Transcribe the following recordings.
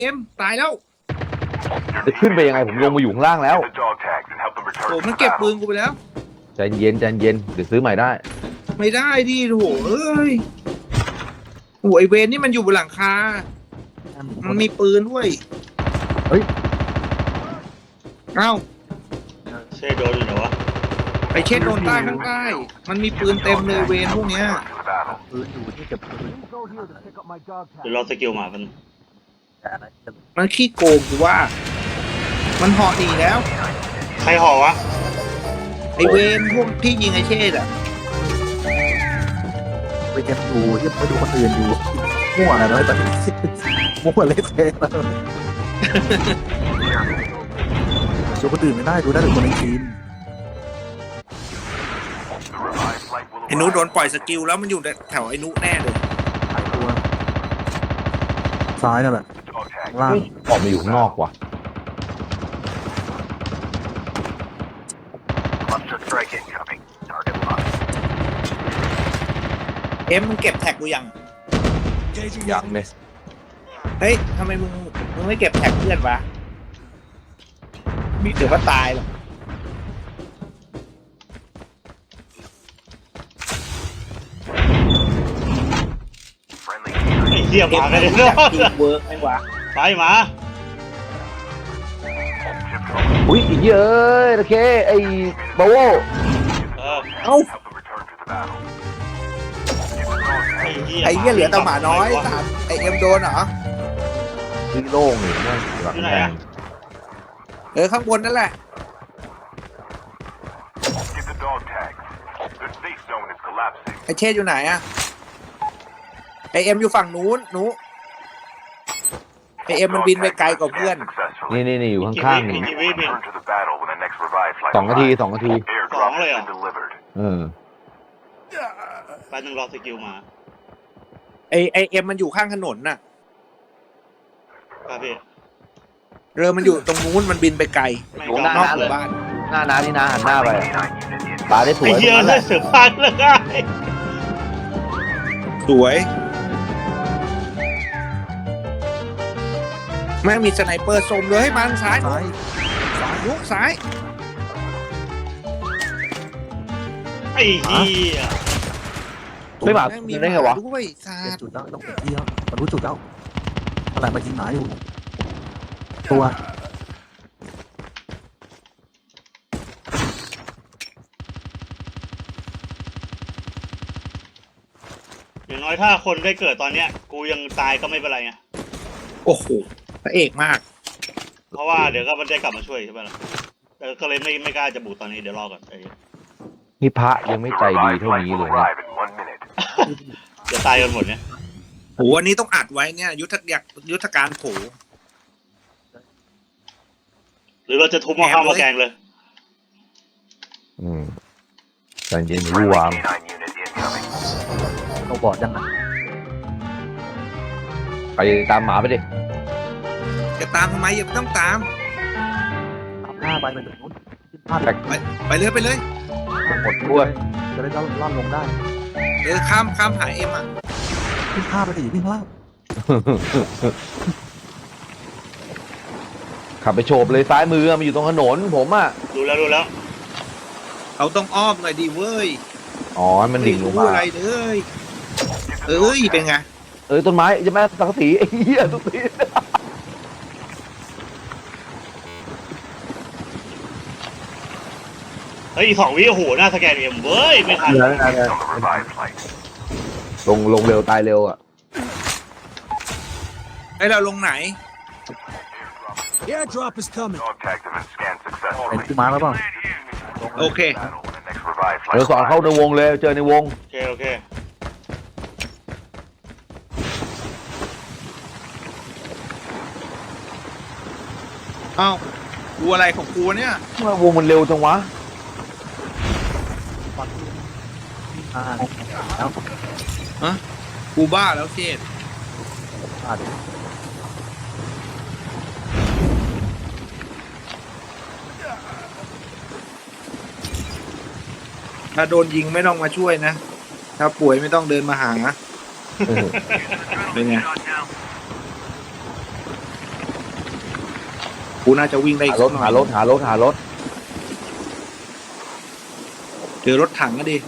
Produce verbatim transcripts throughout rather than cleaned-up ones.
เอ็มตายแล้วจะขึ้นไปยังไงผมลงมาอยู่ข้างล่างแล้วโอ้มันเก็บปืนกูไปแล้วใจเย็นใจเย็นเดี๋ยวซื้อใหม่ได้ไม่ได้ดิโหเอ้ยโอ้ไอเวนนี่มันอยู่บนหลังคามันมีปืนด้วยเฮ้ยเอ้าเช่โดนอยู่เหรอวะไอเช่นโดนใต้ข้างใต้มันมีปืนเต็มเลยเวนพวกเนี้ยปืนอยู่ที่เก็บปืนเดี๋ยวรอสกิลมามันมันขี้โกงกูว่ามันห่อหนีแล้วใครห่อวะไอเวนพวกที่ยิงไอเช่อะไปเก็บอยู่ที่ไปดูคนอื่นอยู่มั่วอะไรตอนนี้มั่วเละเทะดูคนอื่นไม่ได้ดูได้แต่คนในทีมไอ้นุโดนปล่อยสกิลแล้วมันอยู่แถวไอ้นุแน่เลยหายตัวซ้ายนั่นแหละล่างออกมาอยู่ข้างนอกว่ะเอ็มมึงเก็บแท็กกูยังยังเลยเฮ้ยทำไมมึงมึงไม่เก็บแท็กเพื่อนวะมีถือว่าตายหรอไอ้เหี้ยมากันเลยเนาะเวิร์กไหมวะไปมาอุ้ยอีเยอะโอเคไอ้บาโวเออเอ้าไอ้เหี้ยไอ้เหี้ยเหลือแต่หมาน้อยสามไอ้เอ็มโดนเหรอที่โล่งเลยนั่นหลังแดงเออข้างบนนั่นแหละไอ้เช่อยู่ไหนอะไอเอ็มอยู่ฝั่งนู้นนู้ไอเอ็มมันบินไปไกลกว่าเพื่อนนี่นี่นี่อยู่ข้างๆนี่สองนาทีสองนาทีสองเลยเหรอเออไปหนึ่งรอสกิลมาไอไอเอ็มมันอยู่ข้างถนนน่ะครับพี่เรือมันอยู่ตรงนู้นมันบินไปไกลอยู่หน้าน้าเลยบ้านหน้าน้าที่น้าหันหน้าไปตาได้สวยไอ้เหี้ยเลยเสือพันเลยไงสวยแม่งมีสไนเปอร์สมเลยให้มันซ้ายซ้ายซ้ายยุกซ้ายไอ้เหี้ยไม่มาได้ไงวะด้วยซาจุดแล้วต้องเที่ยวมันรู้จุดแล้วอะไรมายิงหมาอยู่ตัวอย่างน้อยถ้าคนได้เกิดตอนเนี้ยกูยังตายก็ไม่เป็นไรไงโอ้โหพระเอกมากเพราะว่าเดี๋ยวก็มันได้กลับมาช่วยใช่ไหมล่ะแต่ก็เลยไม่ไม่กล้าจะบูตตอนนี้เดี๋ยวรอก่อนไอ้นี่พระยังไม่ใจดีเท่านี้เลยนะจะตายกันหมดเนี่ยโหอันนี้ต้องอัดไว้เนี่ยยุทธยักยุทธการโผหรือเราจะทุบหม้อข้าวหม้อแกงเลยอืมใจเย็นรู้วามเราบอดยังไงไปตามหมาไปดิจะตามทำไมอย่าต้องตามตามหน้าไปไปถึงนู้นพลาดไปไปเลยไปเลยหมดด้วยจะได้ล่อนลงได้เออข้ามข้ามหาเอ็มอ่ะขึ้นพลาดไปดิวิ่งพลาดขับไปโฉบเลยซ้ายมือมันอยู่ตรงถนนผมอ่ะดูแล้วดูแล้วเขาต้องอ้อมหน่อยดิเว้ยอ๋อมันดิ่งลงมาอะไรเลยเอ้ยเป็นไงเออต้นไม้จะแม่สังกะสีไอ้เหี้ยทุกทีเฮ้ยสองวิโอ้โหหน้าสแกนเอ็มเว้ยไม่ทันลงลงเร็วตายเร็วอ่ะให้เราลงไหน Airdrop is coming เป็นที่มาแล้วเปล่าโอเคเดี๋ยวสอนเข้าในวงเลยเจอในวงโอเคโอเคอ้าวกูอะไรของกูเนี่ยทำไมวงมันเร็วจังวะอ่าแล้วฮะกูบ้าแล้วเจดถ้าโดนยิงไม่ต้องมาช่วยนะถ้าป่วยไม่ต้องเดินมาหาเป็นไงกูน่าจะวิ่งได้อีหาก รสัถกหน่อหาย รถหารถหารถเจอรถถังก็ดี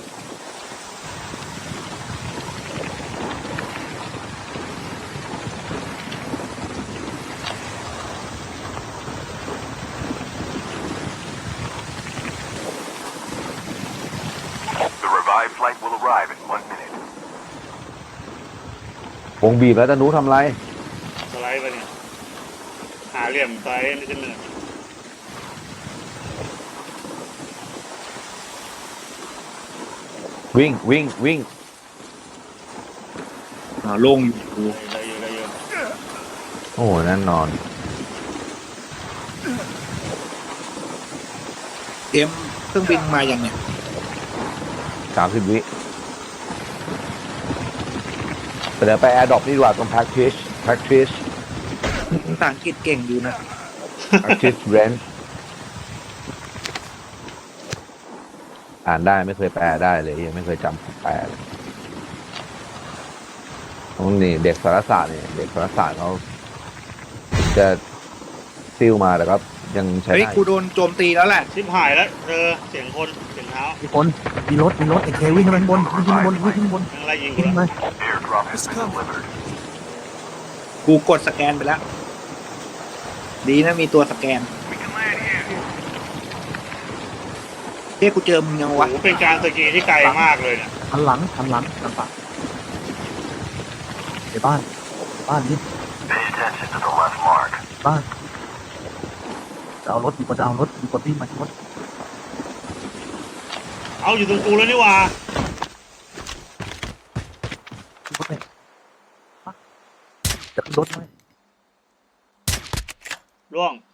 The revived flight will arrive in one minute. วงบีบแล้วตะนุทำไรสไลด์ไปเนี่ยหาเหลี่ยมสไลด์ไม่ใช่เนินวิ่งวิ่งวิ่งอ่าโล่งอยู่กูได้เยอะได้เยอะโอ้โหแน่นอนเอ็มเครื่องบินมาอย่างเนี้ยสามสิบวิเดี๋ยวไปแอร์ดรอปนี่ดีกว่าตรง practice practice ภาษาอังกฤษเก่งอยู่นะ practice range อ่านได้ไม่เคยแปลได้เลยยังไม่เคยจำแปลเลยตรงนี้เด็กสารศาสตร์เนี่ยเด็กสารศาสตร์เขาถึงจะซิลมาแต่ก็ยังใช้เฮ้ยได้กูโดนโจมตีแล้วแหละชิบหายแล้วเจอเสียงคนเสียงเท้ามีคนมีรถมีรถไอ้เควิ่งขึ้นไปข้างบนวิ่งขึ้นไปบนวิ่งขึ้นไปบนยังไล่ยิงกูวิ่งแล้วมา Airdrop has been delivered. กูกดสแกนไปแล้ว ดีนะมีตัวสแกน We can land here. เฮ้ยกูเจอมึงยังโอ้วะโหเป็นการสกีที่ไกลมากเลยเนี่ยหันหลังหันหลังหันปากในบ้านบ้านนี่ Pay attention to the left mark. บ้านจะเอารถมีคนจะเอารถมีคนวิ่งมาที่รถเอาอยู่ตรงกูแล้วนี่หว่าที่รถเนี่ยฮะจะขึ้นรถไหมร่วง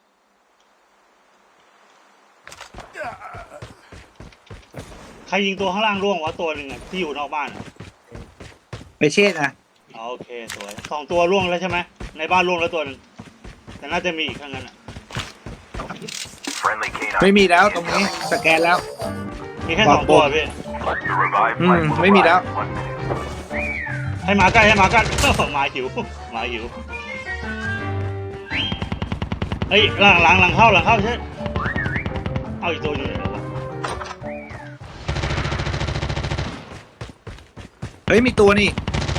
ใครยิงตัวข้างล่างร่วงวะตัวหนึ่งอะที่อยู่นอกบ้านอะไปเช่นะอ๋อโอเคสวยสองตัวร่วงแล้วใช่ไหมในบ้านร่วงแล้วตัวหนึ่งแต่น่าจะมีอีกข้างนั้นอะ Friendly canine. ไม่มีแล้วตรงนี้สแกนแล้วมีแค่สองตัวพี่ The revived Hmm, flight will maybe arrive that. in one minute. ให้หมาใกล้ให้หมาใกล้ หมาหิวหมาหิวเฮ้ยหลังหลังหลังเข้าหลังเข้าใช่เอาอีกตัวอยู่ไหนวะเฮ้ยมีตัวนี่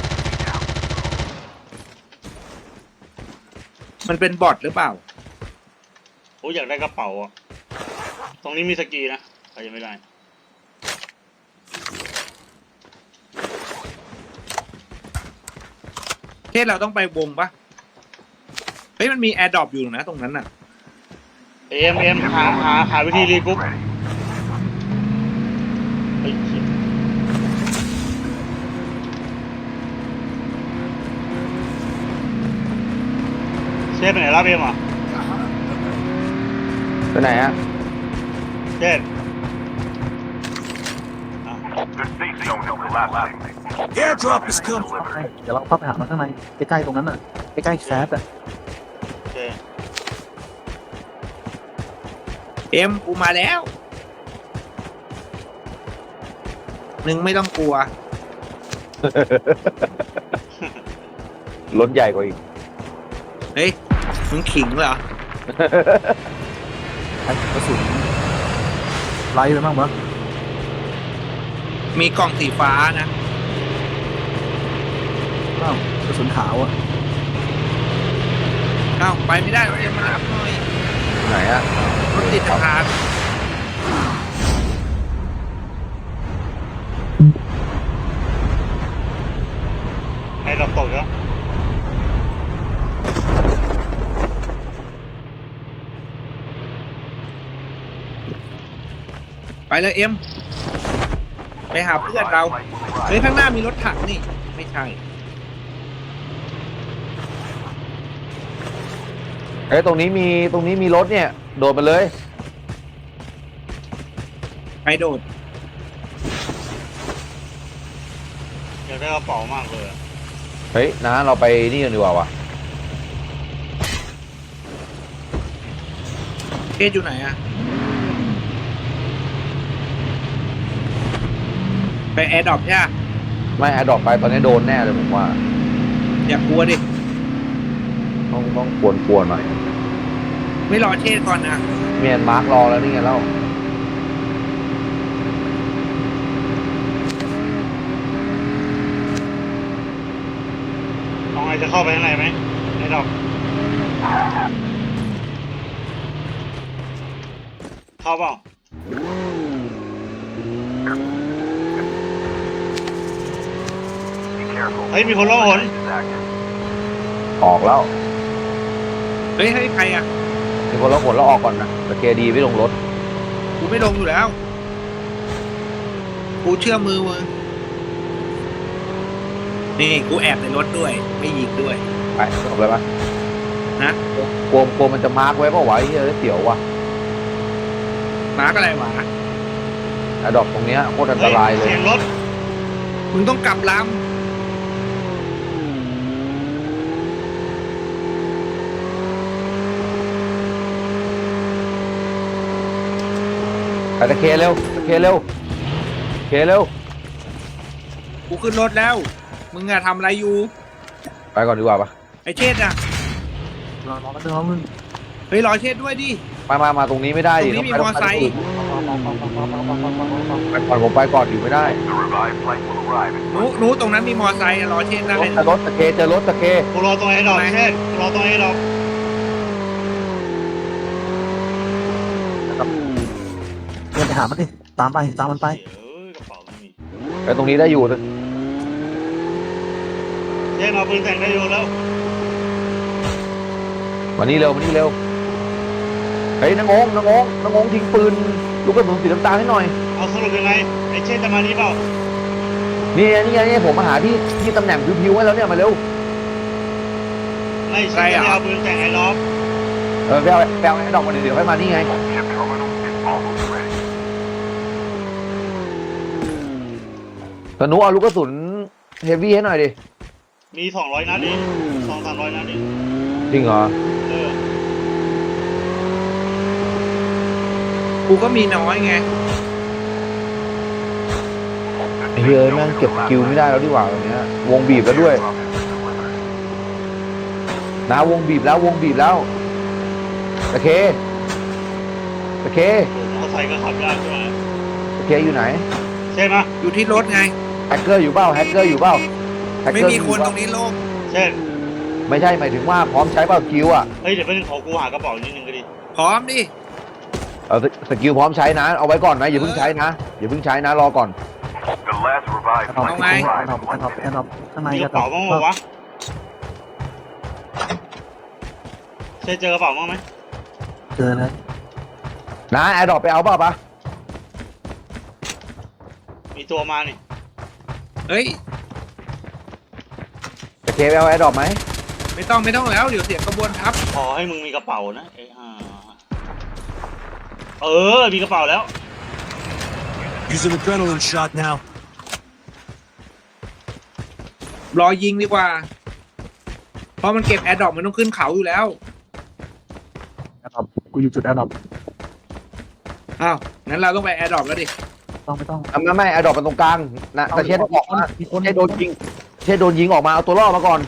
มันเป็นบอทหรือเปล่าโอ้ยอยากได้กระเป๋าอ่ะตรงนี้มีสกีนะใครยังไม่ได้เช่เราต้องไปวงปะเฮ้ยมันมีแอร์ดรอปอยู่นะตรงนั้นน่ะเอ็มเอ็มหาหาหาวิธีรีกรุ๊ป Ready. เฮ้ยเชี่ยเชฟไปไหนรับเอ็มอ่ะไปไหนฮะเชฟอ่ะ The safe zone is collapsing. Airdrop is Has been coming. delivered. เดี๋ยวเราเข้าไปหามันข้างในใกล้ๆตรงนั้นน่ะใกล้ๆแซฟอ่ะโอเคเอ็มกูมาแล้วหนึ่งไม่ต้องกลัวรถใหญ่กว่าอีกเฮ้ยมึงขิงเหรอไอ้กระสุนไล่ไปบ้างมั้งมีกล่องสีฟ้านะอ้าวกระสุนขาวอ่ะเอ้าไปไม่ได้เอ็มมารับหน่อยไหนฮะรถติดทางให้เราตกแล้วไปเลยเอ็มไปหาเพื่อนเรา Flight will เฮ้ย arrive. ข้างหน้ามีรถถังนี่ ไม่ใช่เอ้ยตรงนี้มีตรงนี้มีรถเนี่ย โดดไปเลยไปโดดอยากได้กระเป๋ามากเลยอะเฮ้ยนะเราไปนี่กันดีกว่าวะเกตอยู่ไหนอะไปแอร์ดรอปใช่ไหมไม่แอร์ดรอปไปตอนนี้โดนแน่เลยผมว่าอย่ากลัวดิต้องต้องควรควรหน่อยไม่รอเชษก่อนนะเมียนมาร์กรอแล้วนี่ไงเล่าลองไงจะเข้าไปข้างในไหมไม่ดอกเข้าเปล่า Be careful. เฮ้ยมีคนล่องหน Is active. ออกแล้วเฮ้ยให้ใครอ่ะมีคนละคนแล้วออกก่อนนะแต่เคดีไม่ลงรถกูไม่ลงอยู่แล้ว กูเชื่อมือมึงนี่กูแอบในรถด้วย ไม่ยิงด้วยไปจบเลยปะนะกลัวกลัวมันจะมาร์กไว้เปล่าวะไอ้เหี้ยเสียวว่ะมาร์กอะไรวะอะดอกตรงเนี้ยโคตรอันตรายเลยเสียงรถมึงต้องกลับลไปตะเคเร็วตะเคเร็วเคเร็วำกูขึ้นรถแล้ว มึงอะทำอะไรอยู่ไปก่อนดีกว่าปะไอเชษอะรอรอกันเถอะมึงเฮ้ยรอเชษด้วยดิมามามาตรงนี้ไม่ได้ดิตรงนี้มีต้มอไซค์ไปก่อนผมไปก่อนอยู่ไม่ได้ The revived flight will arrive in หนูหนูตรงนั้นมีมอไซค์อะรอเชษได้รถรถตะเคเจอรถตะเคกูรอตรงไอ้ดอกเช่นกูรอตรงไอ้ดอกเดินไปหามันดิตามไปตามมันไปเอ้ยกระเป๋าไม่มีไปตรงนี้ได้อยู่เช่นเอาปืนแต่งได้อยู่แล้วมานี่เร็วมานี่เร็วเฮ้ยนางงนางงนางงทิ้งปืนลูกกระสุนสีน้ำตาลให้หน่อยเอาสรุปยังไงไอ้เช่นจะมานี้เปล่านี่ไงนี่ไงนี่ไงผมมาหาที่ที่ตำแหน่งพิวๆไว้แล้วเนี่ยมาเร็วไม่ใช่จะเอาปืนแต่งไอ้ดอกเออไปเอาไปเอาไอ้ดอกมาเดี๋ยวค่อยมานี่ไง ship terminal is almost ready. ตนุเอาลูกกระสุนเฮฟวี่ให้หน่อยดิมีสองร้อยนัดดิสองสามร้อยนัดดิจริงเหรอเออกูก็มีน้อยไงไอ้เฮ้ยแม่งเก็บสกิลไม่ได้แล้วดีกว่าตรงเนี้ยวงบีบแล้วด้วย Drop has been delivered. นะวงบีบแล้ววงบีบแล้วตะเคตะเคมอเตอร์ไซค์ก็ขับยากใช่ไหมตะเคอยู่ไหนใช่ไหมอยู่ที่รถไงแฮกเกอร์อยู่เปล่าแฮกเกอร์อยู่เปล่าแฮกไม่เกอร์มีอยู่คนเปตรล่างนี้โล่งเช่นไม่ใช่หมายถึงว่าพร้อมใช้เปล่าสกิลอ่ะเฮ้ยเดี๋ยวไปขอกูหากระเป๋านิดนึงก็ดีพร้อมดิเอาสสกิลพร้อมใช้นะเอาไว้ก่อนนะอย่าเพิ่งใช้นะอย่าเพิ่งใช้นะรอก่อน The last revived เอา flight ไป will เอา arrive เอา in เอา one เอา minute. ข้างในมีกก็ระเป๋าบ้างไหมวะเช่นเจอกระเป๋าบ้างไหมเจอเลยนะแอร์ดรอปไปเอาเปล่าปะมีตัวมานี่เฮ้ยตะเคไปเอาแอร์ดรอปไหมไม่ต้องไม่ต้องแล้ว เดี๋ยวเสียงกระบวนทัพขอให้มึงมีกระเป๋านะไอ้ห่าเออมีกระเป๋าแล้ว Use an adrenaline shot now. รอยิงดีกว่า เพราะมันเก็บแอร์ดรอปมันต้องขึ้นเขาอยู่แล้วแอร์ดรอปกูอยู่จุดแอร์ดรอปอ้าว งั้นเราต้องไปแอร์ดรอปแล้วดิต้องไม่ต้องอ่ะไม่ไม่แอร์ดรอปมันตรงกลางนะแต่เชษต้องออกมามีคนเชษโดนยิงเชษโดนยิงออกมาเอาตัวรอดมาก่อน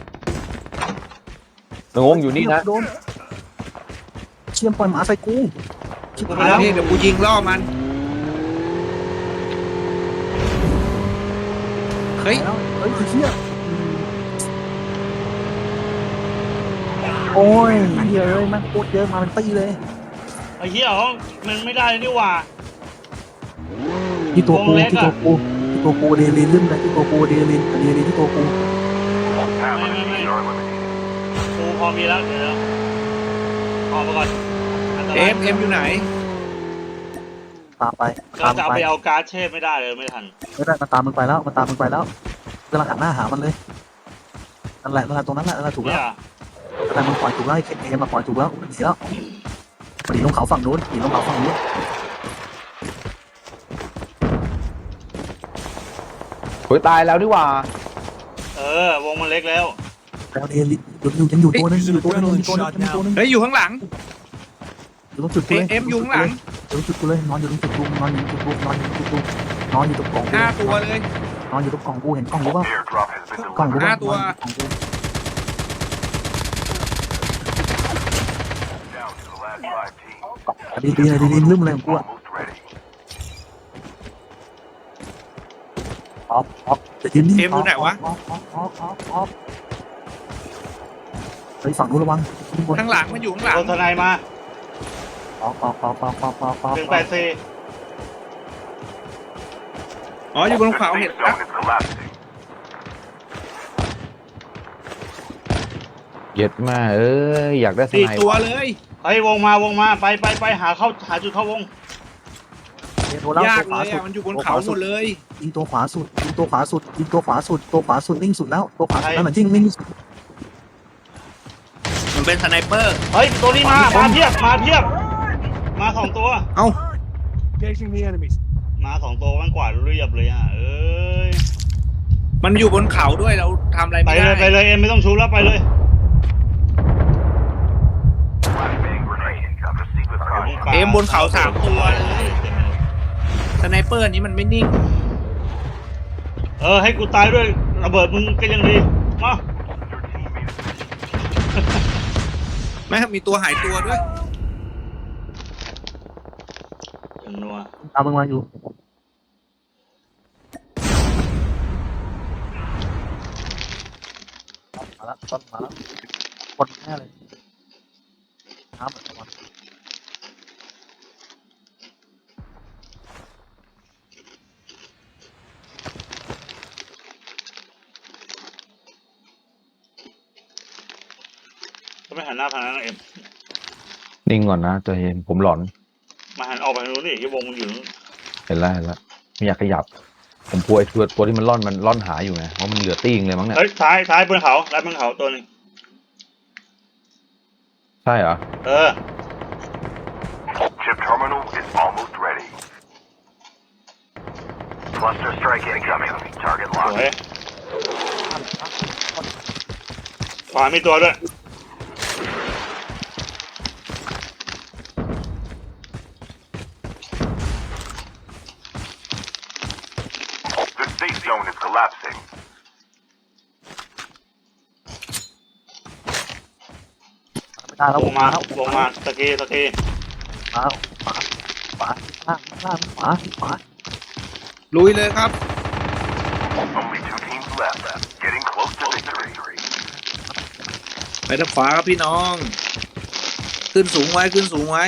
งงอยู่นี่นะโดนเชี่ยมปล่อยหมาใส่กูชิบกูหายแล้วนี่เดี๋ยวกูยิงล่อมัน เฮ้ยแล้วเฮ้ยคือเชี่ยโอ้ยเหี้ยเอ้ยมันโคตรเยอะมาเป็นตีเลยไอ้เหี้ยมันไม่ได้นี่หว่าที่ตัวกูวงเล็กที่อะตัวกูที่ตัวกูเดลินลืมเลยที่ตัวกูเดลินเดลินที่ตัวกู Half of Wait, the wait, teams wait. are eliminated. กูพอมีแล้วเดี๋ยวออกมาก่อนอันตรายเอ็มเอ็มอยู่ไหนตามไปเราตามจะเอาไปไปเอาการ์ดเชฟไม่ได้เลยไม่ทันไม่ได้มันตามมึงไปแล้วมันตามมึงไปแล้วกำลังหันหน้าหามันเลยนั่นแหละนั่นแหละตรงนั้นแหละนั่นแหละถูกเนี่แล้วยแต่มันปล่อยถูกแล้วไอ้เอ็มมาปล่อยถูกแล้วหนีแล้วหนีลงเขาฝั่งนู้นหนีลงเขาฝั่งนู้นโอยตายแล้วนี่หว่าเออวงมันเล็กแล้วแล้วเดลิยังอยู่ยังอยู่ตัวนึงอยู่ตัวนึงอยู่ตัวนึงอยู่ตัวนึงเฮ้ย อยู่ข้างหลังอยู่ตรงจุดกูเลยเอ็มอยู่ข้างหลังอยู่ตรงจุดกูเลยนอนอยู่ตรงจุดกูนอนอยู่ตรงจุดกูนอนอยู่ตรงจุดกูนอนอยู่ตรงกล่องกูห้าตัวเลยนอนอยู่ตรงกล่องกูเห็นกล่องกูป่ะ Airdrop has been กล่องกู delivered. ป่ะห้าตัวกล่องกู Down to the last five teams. ดีดีดีดีลืมอะไรของกูอะ Almost ready. ออฟออฟจะยืนนิ่งเอ็มอยู่ไหนวะออฟออฟออฟออฟออฟไปฝั่งนู้นระวังข้างหลังมันอยู่ข้างหลังโดนทนายมาออฟออฟออฟออฟออฟออฟออฟหนึ่งแปดสี่อ๋ออยู่บน The เขา safe เห็น zone is collapsing. เย็ดมาเอ้ยอยากได้สสี่ไนตัวเลยเฮ้ยวงมาวงมาไปไปไปหาเข้าหาจุดเข้าวงโดนแล้วยาตักวขเลวาย สุดอ่ะมันอยู่บนเขาหมดเลยยิงตัวขวาสุดยิงตัวขวาสุดยิงตัวขวาสุดตัวขวาสุดนิ่งสุดแล้วตัวขวาสุดนั่นแหละจริงนิ่งสุดมันเป็นสไนเปอร์เฮ้ยตัวนี้มามาเพียบมาเพียบมาสองตัวเอ้า Engaging the enemies. มาสองตัวมันกวาดเรียบเลยอ่ะเอ้ยมันอยู่บนเขาด้วยเราทำอะไรไปไม่เลยไปได้เลยเอ็มไม่ต้องชูแล้วไปเลย Flashbang grenade. Proceed with caution. เอ็มบนเขาสามตัวเลยสไนเปอร์อันนี้มันไม่นิ่งเออให้กูตายด้วยระเบิดมึงก็ยังดีมา Your team made it. แม่งมีตัวหายตัวด้วยอย่างนัวตามมึงมาอยู่มาแล้วต้นมาแล้วคนแน่เลยน้ำเหมือนกันก็ไม่หันหน้าทางนั้นนะเอ็มนิ่งก่อนนะใจเย็นผมหลอนมาหันออกไปทางนู้นนี่ที่วงมันอยู่นู้นเห็นแล้วเห็นแล้วไม่อยากขยับ ผมกลัวไอ้ตัวตัวที่มันล่อนมันล่อนหาอยู่ไงเพราะมันเหลือตี้งเลยมั้งเนี่ยเฮ้ยซ้ายซ้ายบนเขาซ้ายบนเขาตัวหนึงใช่เหรอเออ Chip terminal is almost ready. Cluster strike incoming. Target สวย locked. ขวามีตัวด้วย The safe zone is collapsing. ไม่ได้แล้ววงมาแล้ววงมาตะกี้ตะกี้มาขวาขวาล่างล่างขวาขวาลุยเลยครับ Only two teams left. Getting close to victory. ไปทางขวาครับพี่น้อง ขึ้นสูงไว้ขึ้นสูงไว้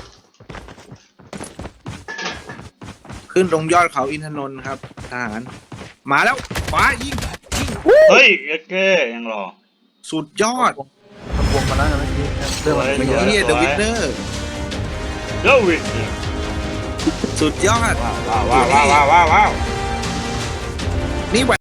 ขึ้นตรงยอดเขาอินทนนท์ครับทหารมาแล้วขวายิงยิงเฮ้ยเอ็กเก้ยังรอสุดยอดมันวงมาแล้วนะเมื่อกี้เรื่องมันสวยไม่เยอะเฮียเดอะวินเนอร์เดวิดสุดยอดว้าวว้าวว้าวว้าวว้าวนี่